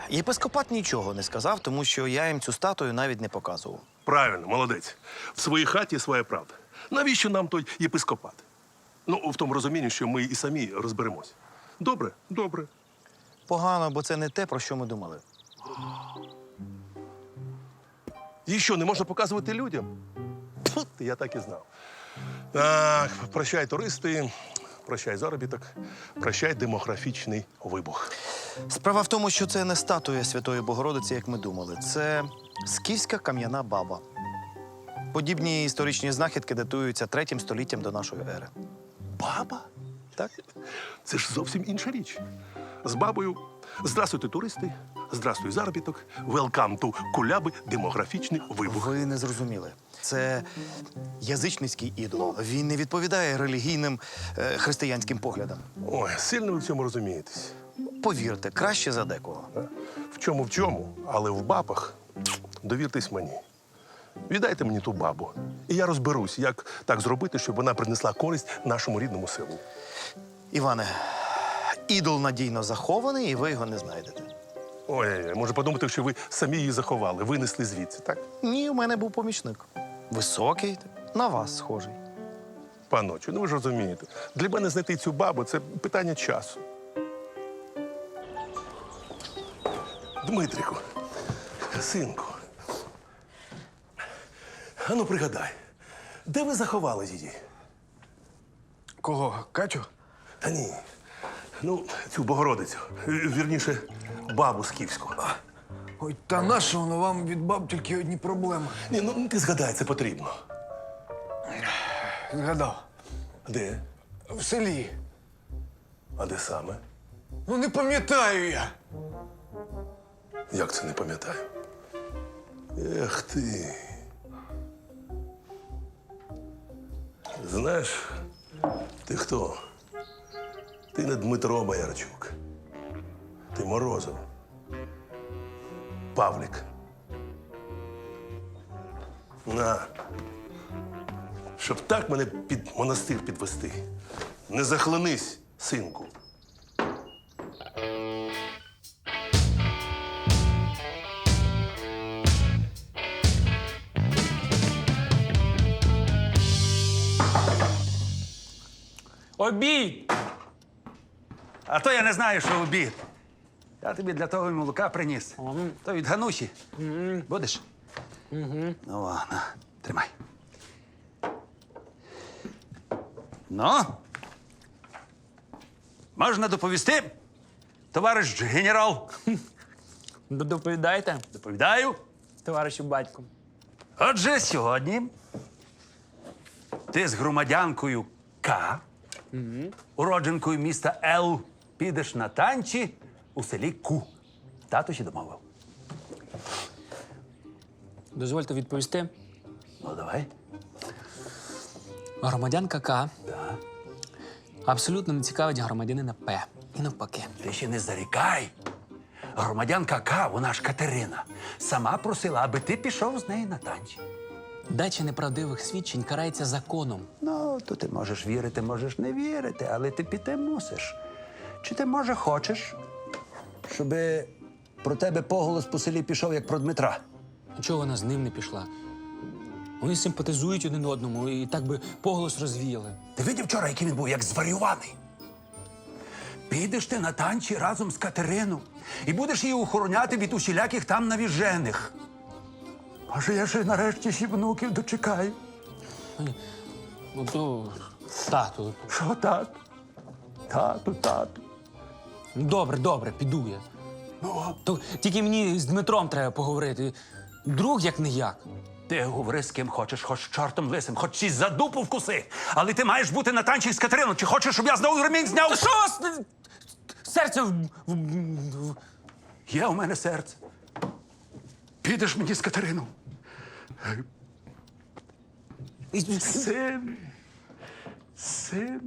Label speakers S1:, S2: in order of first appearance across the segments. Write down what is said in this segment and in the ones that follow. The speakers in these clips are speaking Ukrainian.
S1: Єпископат нічого не сказав, тому що я їм цю статую навіть не показував.
S2: Правильно, молодець. В своїй хаті своя правда. Навіщо нам той єпископат? Ну, в тому розумінні, що ми і самі розберемось. Добре? Добре.
S1: Погано, бо це не те, про що ми думали.
S2: І що, не можна показувати людям? Тьфу, я так і знав. Так, прощай, туристи, прощай заробіток, прощай демографічний вибух.
S1: Справа в тому, що це не статуя Святої Богородиці, як ми думали. Це скіфська кам'яна баба. Подібні історичні знахідки датуються 3 століттям до нашої ери.
S2: Баба?
S1: Так?
S2: Це ж зовсім інша річ. З бабою «Здравствуйте, туристи», «Здравствуй, заробіток», «Welcome to куляби», демографічний вибух.
S1: Ви не зрозуміли. Це язичницький ідол. Він не відповідає релігійним християнським поглядам.
S2: Ой, сильно ви в цьому розумієтесь.
S1: Повірте, краще за декого.
S2: В чому, але в бабах довіртесь мені. Віддайте мені ту бабу, і я розберусь, як так зробити, щоб вона принесла користь нашому рідному селу.
S1: Іване, ідол надійно захований, і ви його не знайдете.
S2: Ой, може подумати, що ви самі її заховали, винесли звідси, так?
S1: Ні, у мене був помічник. Високий, на вас схожий.
S2: Паночу, ну ви ж розумієте, для мене знайти цю бабу – це питання часу. Дмитрику, синку, ану пригадай, де ви заховали її?
S3: Кого? Катю?
S2: Та ні, ну, цю Богородицю, вірніше, бабу скіфську.
S3: Ой, та нащо воно вам від баб тільки одні проблеми?
S2: Ні, ну ти згадай, це потрібно.
S3: Згадав.
S2: Де?
S3: В селі.
S2: А де саме?
S3: Ну не пам'ятаю я.
S2: Як це не пам'ятаю? Ех ти. Знаєш, ти хто? Ти не Дмитро Боярчук. Ти Морозов. Павлік. На. Щоб так мене під монастир підвести. Не захлинись, синку.
S4: Обід! А то я не знаю, що обід. Я тобі для того й молока приніс. То від Ганусі. Будеш? Ну, ладно. Тримай. Ну? Можна доповісти? Товариш генерал.
S5: Доповідайте,
S4: Доповідаю.
S5: товаришу батьку.
S4: Отже, сьогодні ти з громадянкою К, уродженкою міста Л, підеш на танці у селі Ку. Тато ще домовив.
S5: Дозвольте відповісти.
S4: Ну, давай.
S5: Громадянка К абсолютно не цікавить громадянина П. І навпаки.
S4: Ти ще не зарікай. Громадянка К, вона ж Катерина, сама просила, аби ти пішов з нею на танці.
S5: Дача неправдивих свідчень карається законом.
S4: Ну, то ти можеш вірити, можеш не вірити, але ти піти мусиш. Чи ти, може, хочеш, щоб про тебе поголос по селі пішов, як про Дмитра?
S5: Чого вона з ним не пішла? Вони симпатизують один одному і так би поголос розвіяли.
S4: Ти видів вчора, який він був, як зварюваний? Підеш ти на танці разом з Катерину і будеш її охороняти від усіляких там навіжених. Може, я ще нарешті ще внуків дочекаю.
S5: Ну то тату.
S4: Що, тату? Тату.
S5: Ну, добре, піду я. То тільки мені з Дмитром треба поговорити. Друг як не як.
S4: Ти говори з ким хочеш, хоч з чортом лисим, хоч чись за дупу вкуси. Але ти маєш бути на танці з Катериною. Чи хочеш, щоб я знову ремінь зняв?
S5: Та що у вас серце
S4: Є у мене серце. Підеш мені з Катериною. Син.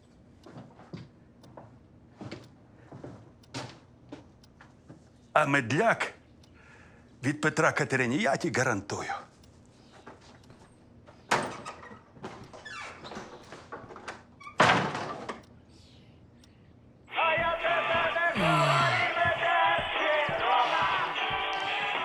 S4: А медляк від Петра Катерині я ті гарантую.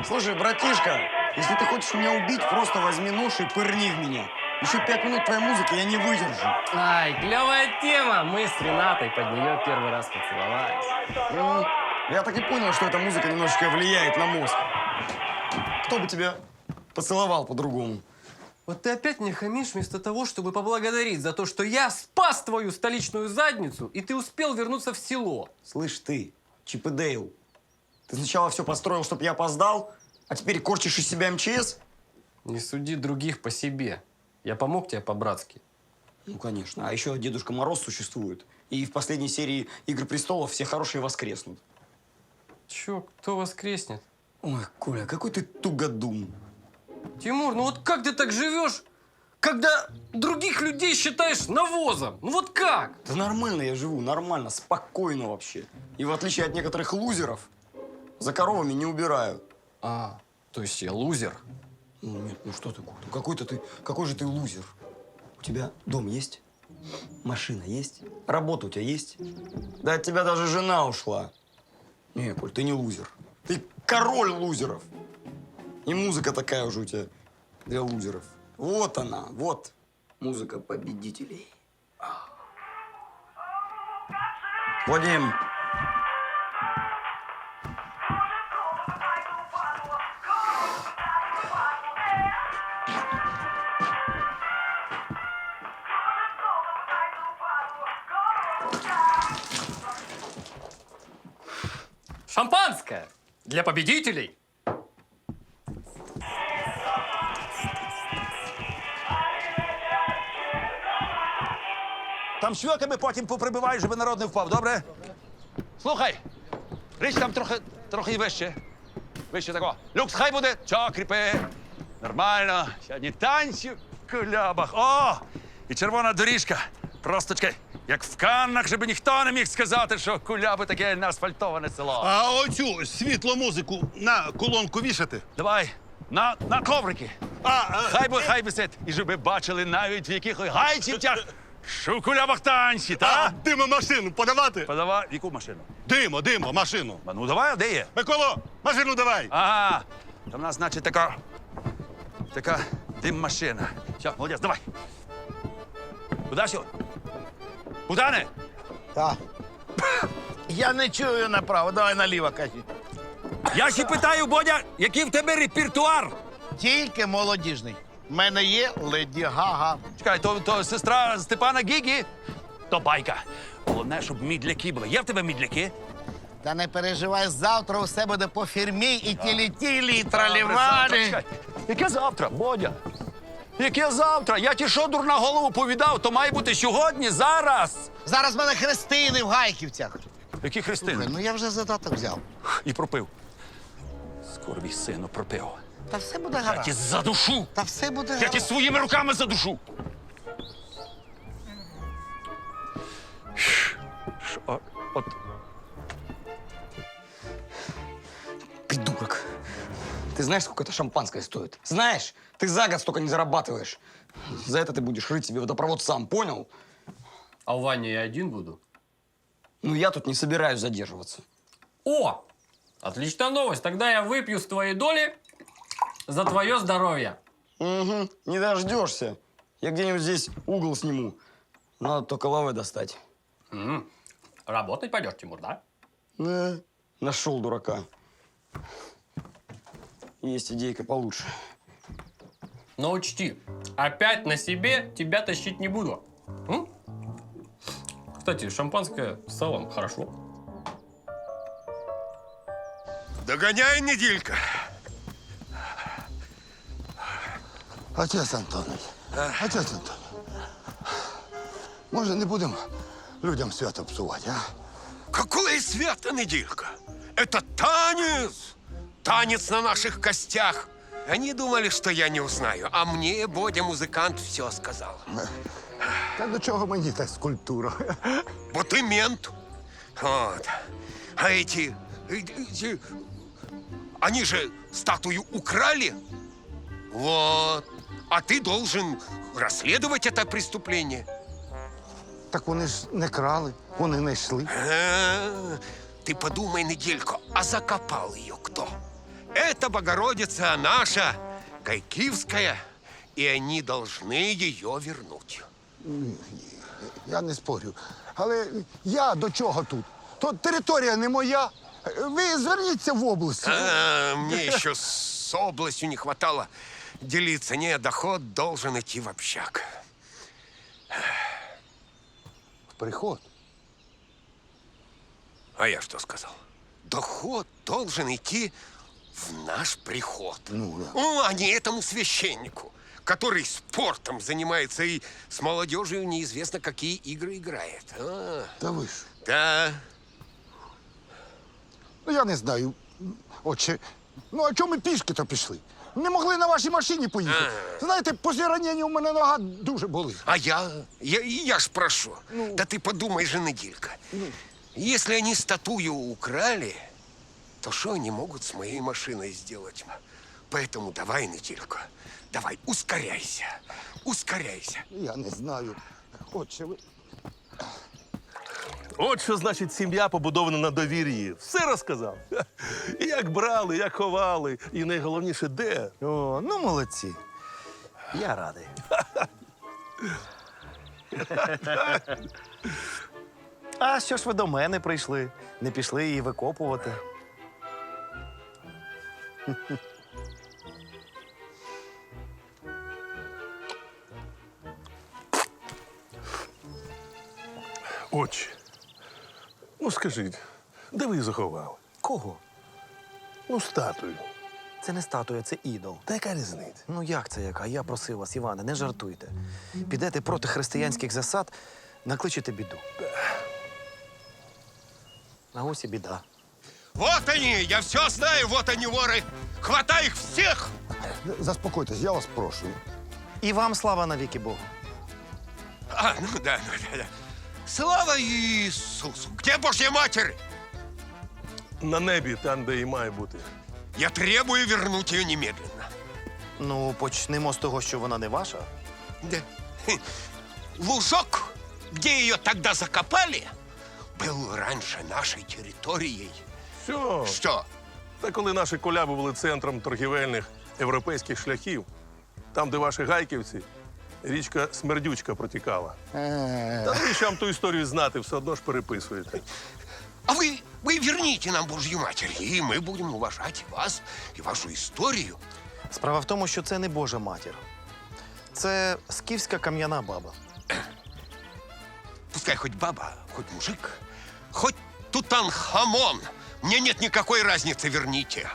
S6: Слушай, братишка, если ты хочешь меня убить, просто возьми нож и пырни в меня. Еще 5 минут твоей музыки я не выдержу.
S7: Ай, клевая тема. Мы с Ренатой под нее первый раз поцеловались.
S6: Ну, я так и понял, что эта музыка немножечко влияет на мозг. Кто бы тебя поцеловал по-другому?
S7: Вот ты опять мне хамишь вместо того, чтобы поблагодарить за то, что я спас твою столичную задницу, и ты успел вернуться в село.
S6: Слышь ты, Чип и Дейл, ты сначала все построил, чтобы я опоздал, а теперь корчишь из себя МЧС?
S7: Не суди других по себе. Я помог тебе по-братски.
S6: Ну, конечно. А еще Дедушка Мороз существует. И в последней серии «Игры престолов» все хорошие воскреснут.
S7: Чё, кто воскреснет?
S6: Ой, Коля, какой ты тугодум.
S7: Тимур, ну вот как ты так живешь, когда других людей считаешь навозом? Ну вот как?
S6: Да нормально я живу, нормально, спокойно вообще. И в отличие от некоторых лузеров, за коровами не убираю.
S7: А, то есть я лузер?
S6: Ну нет, ну что ты, какой же ты лузер? У тебя дом есть? Машина есть? Работа у тебя есть? Да от тебя даже жена ушла. Не, Коль, ты не лузер. Ты король лузеров. И музыка такая уже у тебя для лузеров. Вот она, вот музыка победителей. Вадим.
S7: Шампанское для победителей.
S4: Там швидками потім поприбиваєш, щоб народ не впав, добре? Слухай, річ там трохи вище. Вище такого. Люкс, хай буде. Чо, кріпи. Нормально. Сьогодні танці в кулябах. О! І червона доріжка. Просто чекай, як в Каннах, щоб ніхто не міг сказати, що куляби таке неасфальтоване село.
S8: А оцю світло музику на колонку вішати?
S4: Давай, на коврики. Хай висить. І щоб ви бачили навіть в яких гайцівцях, що в кулябах танці, та?
S8: Димо машину подавати?
S4: Подавай, яку машину?
S8: Димо, машину.
S4: Ну давай, а де є?
S8: Миколо, машину давай.
S4: Ага, там у нас, значить, така дим-машина. Все, молодець, давай. Куди сьогодні? Богдане?
S9: Так. Я не чую направо, давай наліво, кажи.
S4: Я ще питаю, Бодя, який в тебе репертуар?
S9: Тільки молодіжний. В мене є Леді Гага.
S4: Чекай, то сестра Степана Гігі? То байка. Головне, щоб мідляки були. Є в тебе мідляки?
S9: Та не переживай, завтра усе буде по фірмі і тілі-тілі, і тралівалі.
S4: Чекай, яке завтра, Бодя? Яке завтра? Я ті що, дурна голову повідав, то має бути сьогодні, зараз.
S9: Зараз в мене хрестини в Гайківцях.
S4: Які хрестини?
S9: Ну я вже задаток взяв.
S4: І пропив. Скоро сину пропив.
S9: Та все буде
S4: Я
S9: гаразд.
S4: ті задушу.
S9: Та все буде
S4: Я ті
S9: гаразд.
S4: своїми руками задушу. От
S6: Придурок. Ты знаешь, сколько это шампанское стоит? Знаешь, ты за год столько не зарабатываешь. За это ты будешь рыть себе водопровод сам, понял?
S7: А в ванне я один буду?
S6: Ну, я тут не собираюсь задерживаться.
S7: О! Отличная новость. Тогда я выпью с твоей доли за твое здоровье.
S6: Угу, не дождешься. Я где-нибудь здесь угол сниму. Надо только лавы достать.
S7: Работать пойдешь, Тимур, да?
S6: Нашел дурака. Есть идейка получше.
S7: Но учти, опять на себе тебя тащить не буду. М? Кстати, шампанское с салом хорошо.
S8: Догоняй, неділька.
S3: Отець Антонович, отець Антонович, може не будемо людям свято псувати, а?
S8: Какое свято, неделька? Это танец! Танец на наших костях. Они думали, что я не узнаю, а мне Бодя, музыкант, все сказал.
S3: Та до чого мені та скульптура?
S8: Вот и мент. Вот. А они же статую украли. Вот. А ты должен расследовать это преступление.
S3: Так вони ж не крали, вони не йшли.
S8: Ты подумай, недельку, а закопал ее кто? Это Богородица наша, Кайкивская, и они должны ее вернуть.
S3: Я не спорю. Але я до чого тут? То територія не моя. Ви зверніться в область.
S8: Мне еще с областью не хватало делиться. Не, доход должен идти в общак.
S3: Приход.
S8: А я что сказал? Доход должен идти в наш приход.
S3: Ну, да.
S8: А не этому священнику, который спортом занимается и с молодежью неизвестно какие игры играет.
S3: Та ви ж.
S8: Да.
S3: Ну, я не знаю. Отче, ну а чому ми пішки-то пішли? Не могли на вашій машині поїхати. Знаєте, після ранення у мене нога дуже болить.
S8: А я ж прошу. Да ты подумай же, Неделька. Если они статую украли, то что они могут с моей машиной сделать? Поэтому давай, Неделька, давай, ускоряйся. Ускоряйся.
S3: Я не знаю. Отче, ви...
S2: От що значить сім'я побудована на довір'ї. Все розказав. І як брали, як ховали, і найголовніше, де.
S1: О, ну молодці. Я радий. А що ж ви до мене прийшли? Не пішли її викопувати?
S2: Отче, ну скажіть, де ви її заховали?
S1: Кого?
S2: Ну, статую.
S1: Це не статуя, це ідол.
S2: Та яка різниця?
S1: Ну як це яка? Я просив вас, Іване, не жартуйте. Підете проти християнських засад, накличете біду. А ось і біда.
S8: Вот они, я все знаю, вот они воры. Хватай их всех!
S3: Заспокойтесь, я вас прошу.
S1: І вам слава навіки Богу.
S8: Ну да. Слава Иисусу! Где Божья Матерь?
S2: На небі, там, де і має бути.
S8: Я требую вернуть ее немедленно.
S1: Ну, почнемо з того, що вона не ваша.
S8: Да. Лужок, где ее тогда закопали, был раньше нашей территорией.
S2: Що?
S8: Что?
S2: Та коли наші коляби були центром торгівельних європейських шляхів, там, де ваші гайківці, річка Смердючка протікала. Та навіщо вам ту історію знати, все одно ж переписуєте.
S8: А вы верните нам Божью Матерь, и мы будем уважать вас и вашу историю.
S1: Справа в тому, що це не Божа матір. Це скіфська кам'яна баба.
S8: Пускай хоть баба, хоть мужик, хоть Тутанхамон. Мне нет никакой разницы, верните.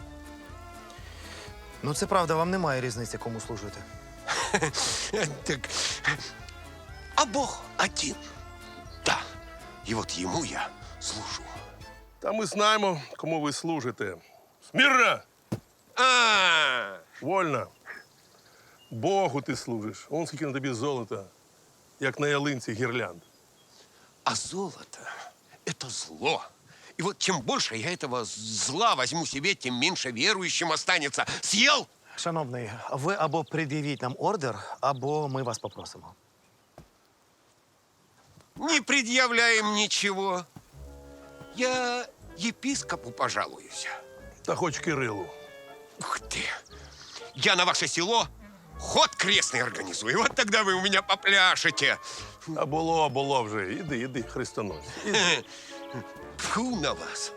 S1: Ну, це правда, вам немає різниці, кому служити.
S8: Так, а Бог один. Да, и вот ему я служу.
S2: Та ми знаємо, кому ви служите. Смірна! Вольно. Богу ти служиш. Он скільки на тобі золота, як на ялинці гірлянд.
S8: А золото – это зло. И вот чем больше я этого зла возьму себе, тем меньше верующим останется. Съел?
S1: Шановний, ви або пред'явіть нам ордер, або ми вас попросимо.
S8: Не предъявляем ничего. Я епископу пожалуюсь.
S2: Та хоч Кирилу.
S8: Ух ты! Я на ваше село ход крестный организую. Вот тогда вы у меня попляшете.
S2: А було вже. Іди, хрестоносць.
S8: Фу на вас.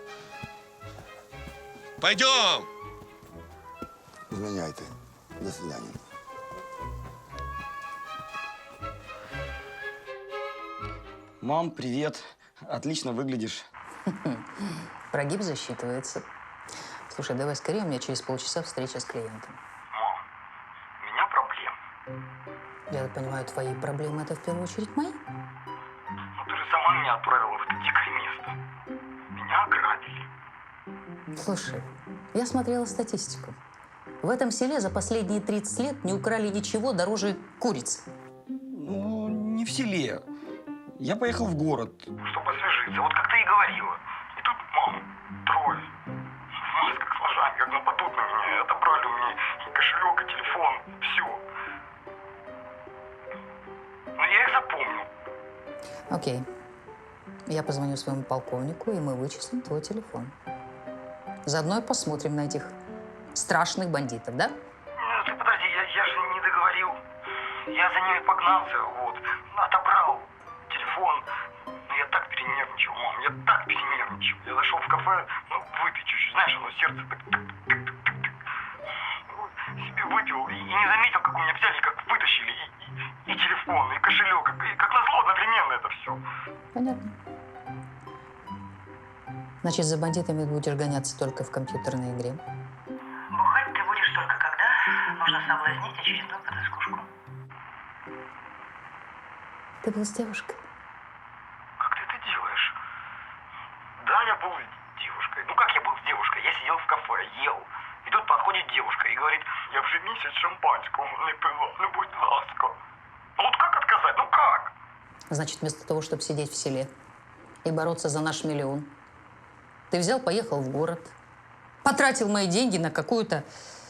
S8: Пойдем.
S3: Зміняйте. До свидання.
S6: Мам, привет. Отлично выглядишь.
S10: Прогиб засчитывается. Слушай, давай скорее, у меня через полчаса встреча с клиентом.
S11: Мам, у меня проблемы.
S10: Я так понимаю, твои проблемы это в первую очередь мои?
S11: Ну ты же сама меня отправила в это дикое место. Меня ограбили.
S10: Слушай, я смотрела статистику. В этом селе за последние 30 лет не украли ничего дороже курицы.
S6: Ну, не в селе. Я поехал в город.
S11: Чтобы освежиться, вот как ты и говорила. И тут, мам, трое. В масках с ножами, как нападут на меня, и отобрали у меня и кошелек, и телефон, все. Но я их запомнил.
S10: Окей. Я позвоню своему полковнику, и мы вычислим твой телефон. Заодно и посмотрим на этих страшных бандитов, да?
S11: Ты подожди, я же не договорил. Я за ними погнался, вот. Отобрал телефон. Но я так перенервничал, мам, я так перенервничал. Я зашел в кафе, ну, выпить чуть-чуть, знаешь, оно сердце так тык-тык-тык-тык. Себе выпил и не заметил, как у меня взяли, как вытащили и телефон, и кошелек, и как назло одновременно это все.
S10: Понятно. Значит, за бандитами будешь гоняться только в компьютерной игре.
S12: Бухать ты будешь только когда нужно соблазнить очередную потаскушку.
S10: Ты был с девушкой?
S11: Как ты это делаешь? Да, я был с девушкой. Ну как я был с девушкой? Я сидел в кафе, ел. И тут подходит девушка и говорит, я вже місяць шампанського не пила, ну будь ласка. Ну вот как отказать? Ну как?
S10: Значит, вместо того, чтобы сидеть в селе и бороться за наш миллион, ты взял, поехал в город, потратил мои деньги на какую-то...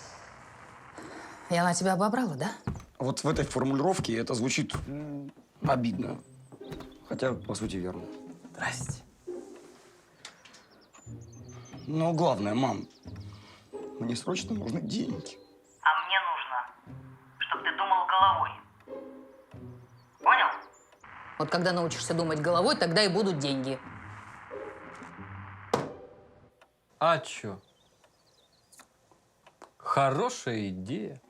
S10: И она тебя обобрала, да?
S6: Вот в этой формулировке это звучит обидно. Хотя, по сути, верно.
S5: Здрасте.
S6: Но главное, мам, мне срочно нужны деньги.
S12: А мне нужно, чтобы ты думал головой. Понял?
S10: Вот когда научишься думать головой, тогда и будут деньги.
S7: А чё? Хорошая идея.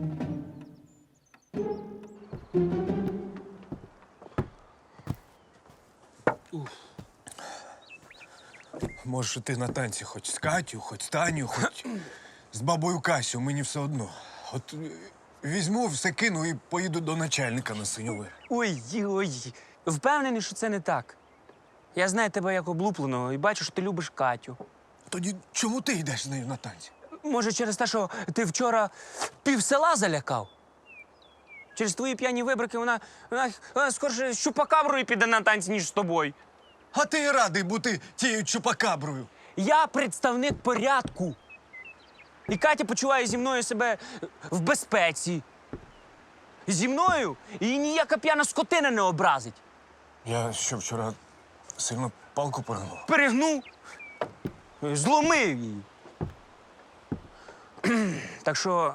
S13: Можеш ти на танці хоч з Катю, хоч з Таню, хоч з бабою Касю, мені все одно. От візьму, все кину і поїду до начальника на Синьовир.
S5: Ой. Впевнений, що це не так. Я знаю тебе як облупленого і бачу, що ти любиш Катю.
S13: Тоді чому ти йдеш з нею на танці?
S5: Може, через те, що ти вчора пів села залякав? Через твої п'яні вибрики вона скорше з чупакаброю піде на танці, ніж з тобою.
S13: А ти радий бути тією чупакаброю.
S5: Я представник порядку. І Катя почуває зі мною себе в безпеці. Зі мною її ніяка п'яна скотина не образить.
S13: Я що, вчора сильно палку перегнув?
S5: Перегнув, зломив її. Так що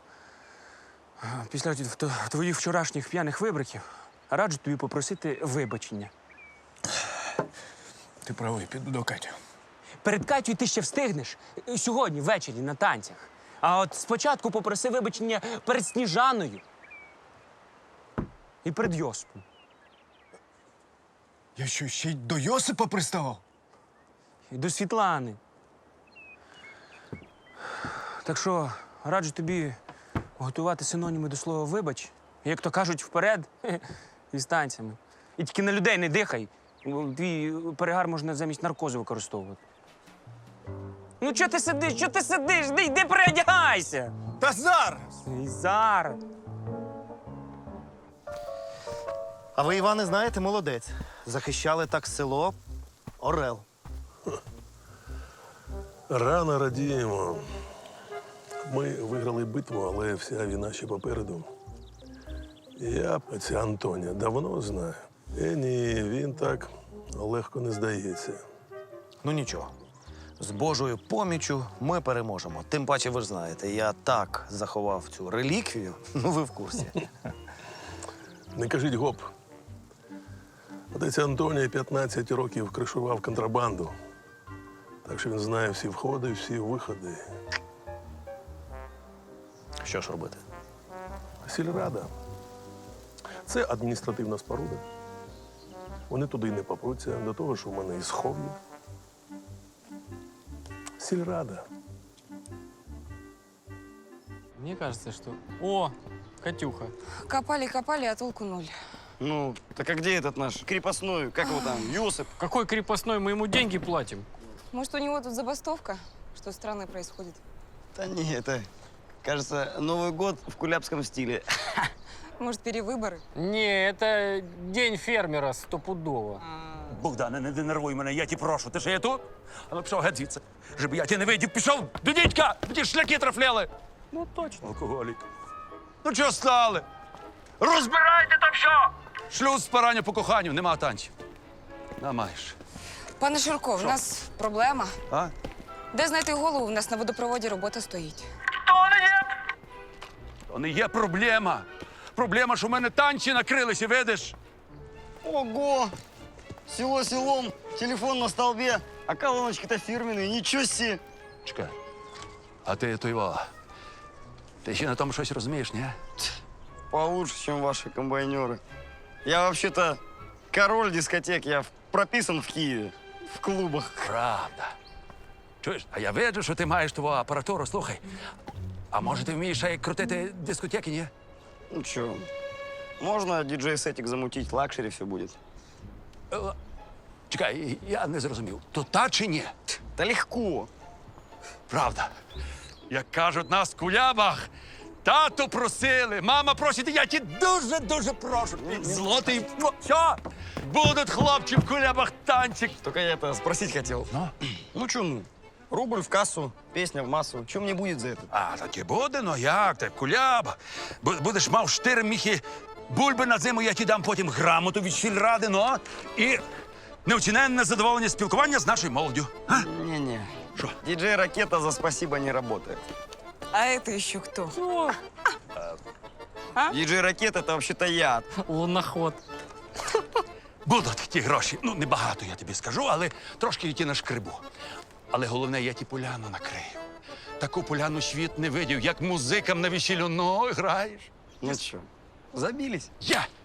S5: після твоїх вчорашніх п'яних вибриків раджу тобі попросити вибачення.
S13: Ти правий, піду до Каті.
S5: Перед Катю ти ще встигнеш сьогодні ввечері на танцях. А от спочатку попроси вибачення перед Сніжаною і перед Йосипом.
S13: Я що, ще й до Йосипа приставав?
S5: І до Світлани. Так що раджу тобі готувати синоніми до слова «вибач», як то кажуть, вперед і з танцями. І тільки на людей не дихай. Твій перегар можна замість наркозу використовувати. Ну, чого ти сидиш? Чого ти сидиш? Йди переодягайся!
S13: Та зараз!
S5: І зараз.
S1: А ви, Іване, знаєте, молодець. Захищали так село. Орел.
S2: Рано радіємо. Ми виграли битву, але вся війна ще попереду. Я ця Антоня давно знаю. Ні, він так легко не здається.
S1: Ну нічого. З Божою поміччю ми переможемо. Тим паче, ви ж знаєте, я так заховав цю реліквію, ну ви в курсі.
S2: Не кажіть гоп. Отець Антоній 15 років кришував контрабанду. Так що він знає всі входи, всі виходи.
S1: Що ж робити?
S2: Сільрада. Це адміністративна споруда. Вони туди не попруться, до того, що в мене і схов'я. Сільрада.
S7: Мне кажется, что... О, Катюха.
S12: Копали, а толку ноль.
S6: Ну, так а где этот наш крепостной, как его там, Йосип?
S7: Какой крепостной? Мы ему деньги платим.
S12: Может, у него тут забастовка? Что странное происходит?
S6: Да не, это, кажется, Новый год в кулябском стиле.
S12: Может, перевыборы?
S7: Не, это день фермера стопудово.
S4: Богдане, не нервуй мене, я ті прошу. Ти ще є тут? А ну пішов геть звідси. Щоб я тебе не видів, пішов до дідька, ті шляки трафляли. Ну точно, алкоголік. Ну чого стали? Розбирайте там що! Шлюз спирання по коханню, нема танців. На маєш.
S12: Пане Шурко, в нас проблема.
S6: А?
S12: Де знайти голову? В нас на водопроводі робота стоїть.
S4: То не є проблема. Проблема, що в мене танці накрилися, видиш?
S6: Ого! Село селом, телефон на столбе, а колоночки-то фирменные, ничего себе!
S4: Чекай. А ти той. Ти ще на тому щось розумієш, ні?
S6: Получше, чем ваши комбайнеры. Я вообще-то король дискотек, я прописан в Киеве, в клубах.
S4: Правда. Чуєш, а я виджу, що ти маєш твою апаратуру. Слухай, а може ти вмієш ще й крутити дискотеки, ні?
S6: Ну чё, можно диджей-сетик замутить, лакшери все будет.
S4: Чекай, я не зрозумів. То та чи ні?
S6: Да легко.
S4: Правда. Як кажуть нас в кулябах, тату просили, мама просить, і я ті дуже прошу. Злотий. Що? Будуть хлопці в кулябах танчик.
S6: Только я это спросить хотел. Ну чё, ну, рубль в кассу, песня в массу. Чё мне будет за это?
S4: А, таки буде, ну як ти, куляба. Будеш мав 4 міхи бульби на зиму, я ті дам потім грамоту від сільради, ну, і неоціненне задоволення спілкування з нашою молоддю. А?
S6: Не-не.
S4: Что?
S6: Диджей-ракета за спасибо не работает.
S14: А это еще кто?
S6: Диджей-ракета это вообще-то я.
S7: Луноход.
S4: Будуть ті гроші. Ну, небагато, я тобі скажу, але трошки я ті нашкребу. Але головне, я ті поляну накрию. Таку поляну світ не видів, як музикам на весіллю. Ну, граєш.
S6: Ну чё, забились?
S4: Я